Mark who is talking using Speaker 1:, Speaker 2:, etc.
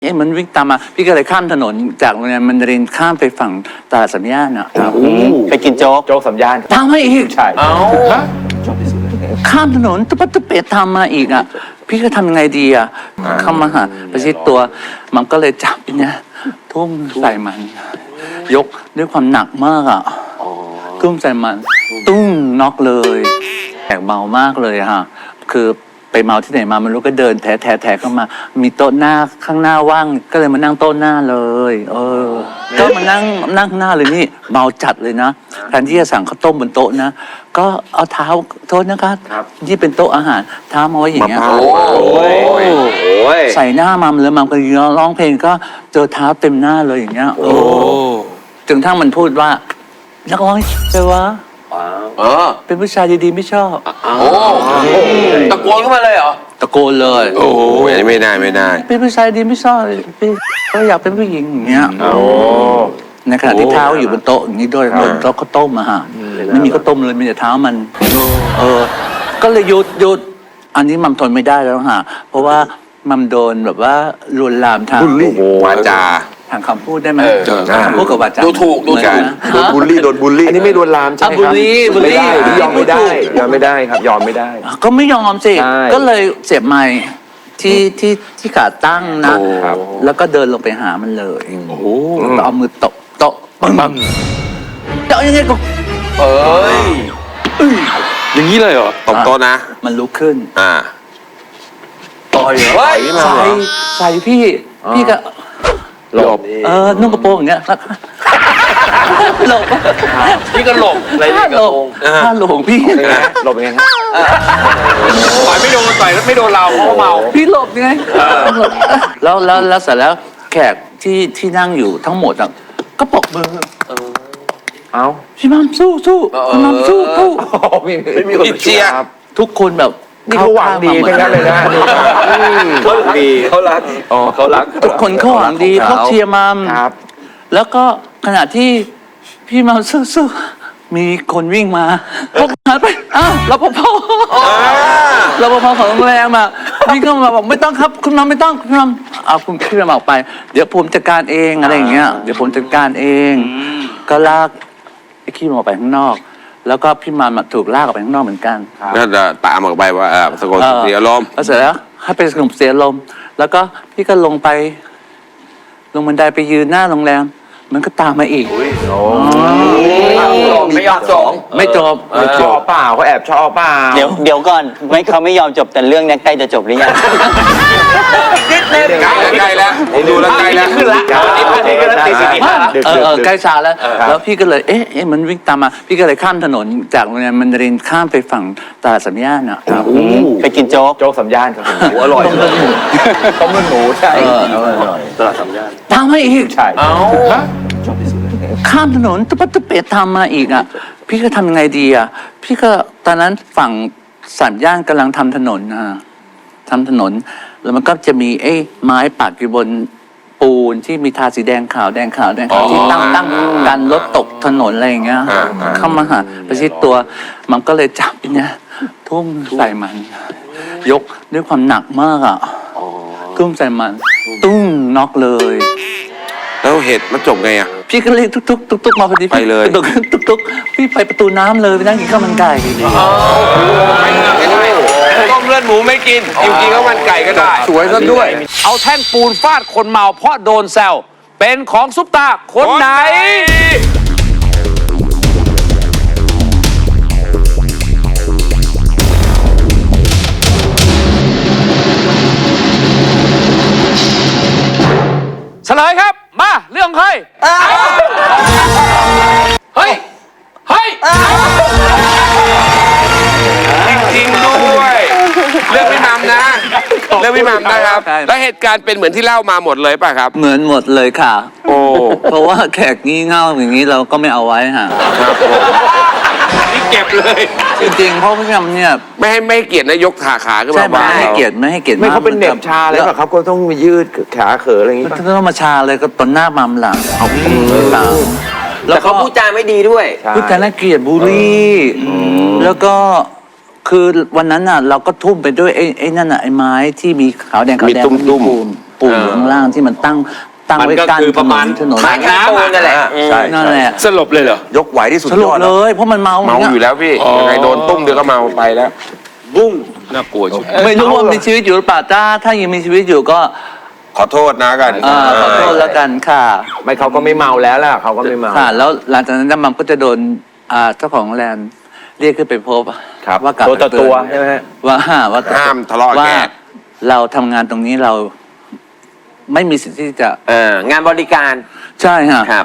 Speaker 1: มันวิ่งตามมาพี่ก็เลยข้ามถนนจากโรงเรียนมันเรียนข้ามไปฝั่งตลาดสามย่านอ่ะ
Speaker 2: ไปกินโจ๊ก
Speaker 3: สามย่าน
Speaker 1: ตามมาอีก
Speaker 3: ใช่
Speaker 1: ข้ามถนนตุ๊บตุ๊บเปตามมาอีกอ่ะพี่ก็ทำยังไงดีอ่ะเข้ามาหาประชิดตัวมันก็เลยจับเนี่ยทุ่มใส่มันยกด้วยความหนักมากอ่ะทุ่มใส่มันตุ้งน็อกเลยแขกเมามากเลยฮะคือไปเมาที่ไหนมามันรู้ก็เดินแถเข้ามามีโต๊ะหน้าข้างหน้าว่างก็เลยมานั่งโต๊ะหน้าเลยก็มานั่งข้างหน้าเลยนี่เมาจัดเลยนะแทนที่จะสั่งข้าวต้มบนโต๊ะนะก็เอาเท้าโทษนะครับที่เป็นโต๊ะอาหารเท้ามาไว้อย่างเงี้ยใส่หน้ามัมเลยมัมก็ร้องเพลงก็เจอเท้าเต็มหน้าเลยอย่างเงี้ยจนทั้งมันพูดว่านักร้องใช่วะเป็นผู้ชายดีๆไม่ชอบ
Speaker 2: ตะโกนขึ้นมาเลยเหรอ
Speaker 1: ตะโกนเลย
Speaker 4: โอ้ยไม่ได้
Speaker 1: เป็นผู้ชายดีไม่ชอบพี่ก็อยากเป็นผู้หญิงอย่างเงี้ยในขณะที่เท้าอยู่บนโต๊ะอย่างนี้ด้วยบนโต๊ะข้าวต้มอะฮะไม่มีข้าวต้มเลยมีแต่เท้ามันก็เลยหยุดอันนี้มัมทนไม่ได้แล้วฮะเพราะว่ามัมโดนแบบว่าลวนลามทาง
Speaker 4: วาจา
Speaker 1: ทางคำพูดได้ไหมพูดกับวาจา
Speaker 2: ดูถูก
Speaker 4: โดนบูลลี่
Speaker 3: อันนี้ไม่ลวนลามใช่ไหมครับ
Speaker 1: บูลลี่
Speaker 3: ยอมไม่ได้ครับยอมไม่ได้
Speaker 1: ก็ไม่ยอมสิก็เลยเสียบไม้ที่ขาตั้งนะแล้วก็เดินลงไปหามันเลยแล้วก็เอามือตบโต๊ะปังจะเอายังไงก็
Speaker 4: อย่างนี้เลยเหรอตบโต๊ะนะ
Speaker 1: มันลุกขึ้น
Speaker 3: ต่อย
Speaker 1: ใส่พี่ก็
Speaker 3: หลบ
Speaker 1: นุ่งกระโปรงอย่างเงี้ยหลบ
Speaker 2: พี่ก็หลบอะไรนี่กระโปรง
Speaker 1: ถ้าหลงพี่
Speaker 3: หลบยังไงครับ
Speaker 2: ต่อยไม่โดนต่อยไม่โดนเราเพราะเมา
Speaker 1: พี่หลบยังไงแล้วเสร็จแล้วแขกที่นั่งอยู่ทั้งหมดอ่ะก็ปรบมือพี่มัมสู้พี่มัมสู้
Speaker 3: ไม่มีคนเชียร์
Speaker 1: ทุกคนแบบ
Speaker 3: นี่เขาหวังดีทั้งนั้นเลยนะเขาดีเขารัก
Speaker 1: ทุกคนเขาหวังดีเขาเชียร์มัมแล้วก็ขณะที่พี่มัมสู้มีคนวิ่งมาพวกหันไปรปภของโรงแรมอ่ะวิ่งเข้ามาบอกไม่ต้องครับคุณมัมไม่ต้องคุณมัมคุณพี่มัมออกไปเดี๋ยวผมจัดการเองอะไรอย่างเงี้ยเดี๋ยวผมจัดการเองก็ลากไอ้ขี้มัมออกไปข้างนอกแล้วก็พี่มัมถูกลากออกไปข้างนอกเหมือนกัน
Speaker 4: ก็จะตามออกไปว่าสงบเสียลม
Speaker 1: แล้วเสร็จแล้วให้ไปสงบเสียลมแล้วก็พี่ก็ลงบันไดไปยืนหน้าโรงแรมมันก็ตามมาอีก
Speaker 2: ไม่ยอมจบ
Speaker 3: ชอบเปล่าเขาแอบชอบเปล่า
Speaker 2: เดี๋ยวก่อนเขาไม่ยอมจบแต่เรื่องนี้ใกล้จะจบหรือยัง
Speaker 4: ใกล้แล้วดูแล้วใกล้แล้ว
Speaker 2: ขึ้นละ
Speaker 1: ใกล้ชาแล้วพี่ก็เลยมันวิ่งตามมาพี่ก็เลยข้ามถนนจากโรงเรียนมันเรียนข้ามไปฝั่งตลาดสามย่านอ่ะ
Speaker 2: ไปกินโจ๊ก
Speaker 3: สามย่านครับอร่อยต้มเลือดหมูใช่ตลาดสามย่าน
Speaker 1: ตามมาอีก
Speaker 3: ใช่
Speaker 1: ข้ามถนนตุ๊บตุ๊บเปตามมาอีกอ่ะพี่ก็ทำยังไงดีอ่ะพี่ก็ตอนนั้นฝั่งสามย่านกำลังทำถนนทำถนนแล้วมันก็จะมีไม้ปักอยู่บนปูนที่มีทาสีแดงขาวที่ตั้งกันรถตกถนนอะไรอย่างเงี้ยเข้ามาหาประชิดตัวมันก็เลยจับเนี่ยทุ่มใส่มันยกด้วยความหนักมากอ่ะทุ่มใส่มันตุ้งน็อกเลย
Speaker 4: แล้วเหตุมันจบไงอ่ะ
Speaker 1: พี่ก็เรียกทุกมาพอดี
Speaker 4: ไปเลย
Speaker 1: ทุกพี่ไปประตูน้ำเลยไปนั่งกินข้าวมันไก่
Speaker 4: ต้มเลือดหมูไม่กินกินข้าวมันไก่ก็ได้
Speaker 3: สวยซะด้วย
Speaker 2: เอาแท่งปูนฟาดคนเมาเพราะโดนแซวเป็นของซุปตาคนไหนเฉลยครับมาเรื่องใครเฮ้ย
Speaker 4: จริงด้วยเรื่องพี่มัมนะเรื่องพี่มัมนะครับแล้วเหตุการณ์เป็นเหมือนที่เล่ามาหมดเลยป่ะครับ
Speaker 1: เหมือนหมดเลยค่ะเพราะว่าแขกงี่เง่าอย่างนี้เราก็ไม่เอาไว้ค่ะ
Speaker 4: นี่เก็บเลย
Speaker 1: จริงๆเพราะพี่มัมเนี่ย
Speaker 4: ไม่ให้เกียรตินะยกขาขึ้นมา
Speaker 1: ไม่ให้เกียรติ
Speaker 3: ไม่เขาเป็นเน็บชาเลยป่ะครับก็ต้องมายืดขาเขออะไรอย่างงี้
Speaker 1: ป่ะต้องมาชาเลยก็ตอนหน้ามัมหลัง
Speaker 2: แต่เขาพูดจาไม่ดีด้วย
Speaker 1: พูดจาน่าเกลียดบูลลี่แล้วก็คือวันนั้นน่ะเราก็ทุ่มไปด้วยไอ้นั่นน่ะไอ้ไม้ที่มีขาวแดง
Speaker 4: ตุ้ม
Speaker 1: ปูนอยู่ข้างล่างที่มันตั้ง
Speaker 3: มัน
Speaker 1: ไว้
Speaker 3: ก็
Speaker 1: กั้น
Speaker 3: คือประมาณ
Speaker 1: ถนน
Speaker 3: ไม้น้ำนั่นแหละใช่
Speaker 1: นั่นแหละ
Speaker 4: สลบเลยเหรอ
Speaker 3: ยกไหวที่สุด
Speaker 1: ส
Speaker 3: ย
Speaker 1: รุป
Speaker 3: อด
Speaker 1: เลย เพราะมันเมา
Speaker 4: เมาอยู่แล้วพี่
Speaker 2: อ๋อ
Speaker 4: ยังไงโดนตุ้มเดียวก็เมาไปแล้ว
Speaker 3: บุ้ง
Speaker 2: น่ากลัวชิบ
Speaker 1: ไม่รู้ว่ามีชีวิตอยู่หรือเปล่าถ้ายังมีชีวิตอยู่ก็
Speaker 4: ขอโทษนะกัน
Speaker 1: ขอโทษแล้วกันค่ะ
Speaker 3: ไม่เขาก็ไม่เมาแล้วล่ะเขาก็ไม่เมา
Speaker 1: ค่ะ แล้วหลังจากนั้นมัมก็จะโดนเจ้าของแลนด์เรียกขึ้นไปพบ
Speaker 3: ครับ
Speaker 1: ว่ากลับ
Speaker 3: ตัวต่อ
Speaker 1: ไปเตือน
Speaker 3: ตัวใช่ไหมฮะ
Speaker 1: ว่า
Speaker 4: ห้ามทะเลาะ
Speaker 1: ว่า
Speaker 4: แก
Speaker 1: เราทำงานตรงนี้เราไม่มีสิทธิ์ที่จะ
Speaker 3: งานบริการ
Speaker 1: ใช่ฮะ
Speaker 3: ครับ